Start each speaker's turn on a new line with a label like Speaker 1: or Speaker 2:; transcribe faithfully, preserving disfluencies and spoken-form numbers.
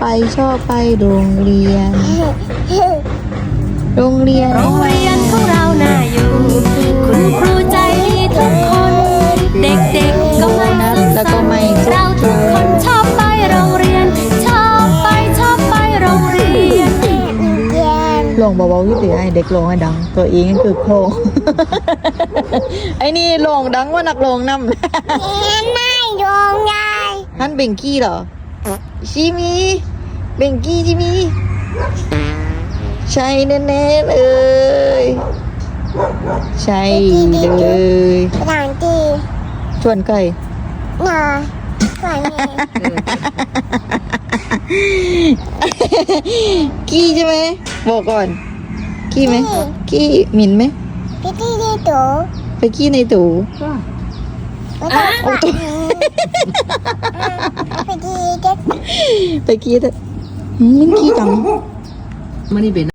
Speaker 1: ชอบไปโรงเรียน โรงเรียน
Speaker 2: โรงเรียนของเราน่าอยู่คุณครูใจดีทุกคน เด็กๆก็ไม่
Speaker 1: แล้วก็ไม่
Speaker 2: เราทุกคนชอบไปโรงเรียน ชอบไปชอบไปโรงเรียน
Speaker 1: ลงเบาๆวิธีไอเด็กลงให้ดัง ตัวเองก็คือโครง ไอ้นี่ลงดังว่านักลงนำ
Speaker 3: ไม่โดนยาย
Speaker 1: ฮันเบงกี้เหรอชิมีเบงกี้ชิมีใช่แน่ๆเลยใช่เลย
Speaker 3: หลังตี
Speaker 1: ชวนไก่
Speaker 3: หน่อยก่อนเนี่ย
Speaker 1: กี้ใช่ไหมบอกก่อนกี้ไหมกี้หมิ่นไหม
Speaker 3: พี่ที่ที่ตัว
Speaker 1: ไปกี้ในตู้
Speaker 3: ไม่ต้องกอดนี้พี่ที่เด็ก
Speaker 1: ไปกี้เถอะอืมมันกี้ดัง
Speaker 4: มันนี่เป็น